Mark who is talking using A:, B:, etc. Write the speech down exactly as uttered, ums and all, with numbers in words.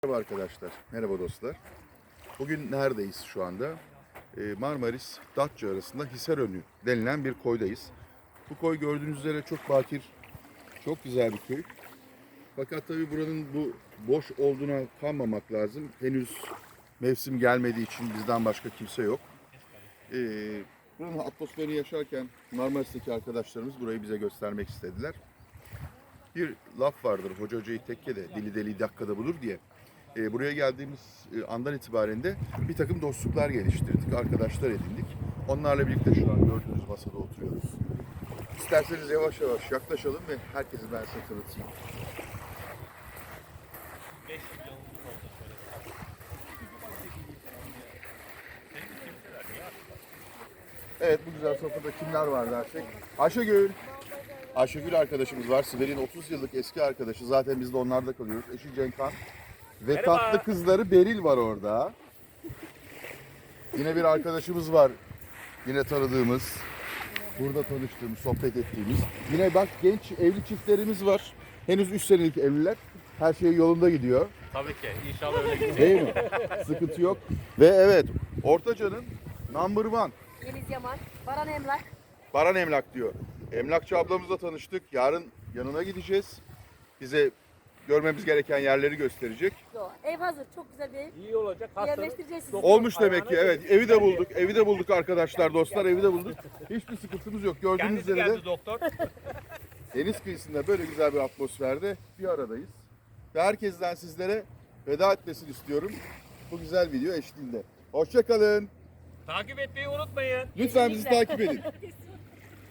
A: Merhaba arkadaşlar, merhaba dostlar. Bugün neredeyiz şu anda? Ee, Marmaris, Datça arasında Hisarönü denilen bir koydayız. Bu koy gördüğünüz üzere çok bakir, çok güzel bir köy. Fakat tabii buranın bu boş olduğuna kanmamak lazım. Henüz mevsim gelmediği için bizden başka kimse yok. Ee, buranın atmosferini yaşarken Marmaris'teki arkadaşlarımız burayı bize göstermek istediler. Bir laf vardır, hoca hocayı tekkede, dili deli dakikada bulur diye. E, buraya geldiğimiz e, andan itibaren de bir takım dostluklar geliştirdik, arkadaşlar edindik. Onlarla birlikte şu an gördüğünüz masada oturuyoruz. İsterseniz yavaş yavaş yaklaşalım ve herkesi ben size tanıtayım. Evet, bu güzel sofrada kimler var dersek. Ayşegül. Ayşegül arkadaşımız var. Sibel'in otuz yıllık eski arkadaşı. Zaten biz de onlarda kalıyoruz. Eşi Cenkhan. Ve
B: Merhaba.
A: tatlı kızları Beril var orada. Yine bir arkadaşımız var. Yine tanıdığımız. Burada tanıştığımız, sohbet ettiğimiz. Yine bak genç evli çiftlerimiz var. Henüz üç senelik evliler. Her şey yolunda gidiyor.
B: Tabii ki. İnşallah öyle gidecek.
A: Değil mi? Sıkıntı yok. Ve evet, Ortaca'nın number one.
C: Yeliz Yaman, Baran Emlak.
A: Baran Emlak diyor. Emlakçı ablamızla tanıştık. Yarın yanına gideceğiz. Bize görmemiz gereken yerleri gösterecek.
C: Yo, ev hazır, çok güzel bir ev.
B: İyi olacak.
C: Yerleştireceğiz sizi.
A: Olmuş demek ki, evet. Evi de bulduk. Evi de bulduk arkadaşlar, dostlar. Evi de bulduk. Hiçbir sıkıntımız yok. Gördüğünüz
B: Kendisi
A: üzere de
B: geldi doktor.
A: deniz kıyısında böyle güzel bir atmosferde bir aradayız. Ve herkesten sizlere veda etmesini istiyorum. Bu güzel video eşliğinde. Hoşça kalın.
B: Takip etmeyi unutmayın.
A: Lütfen bizi takip edin.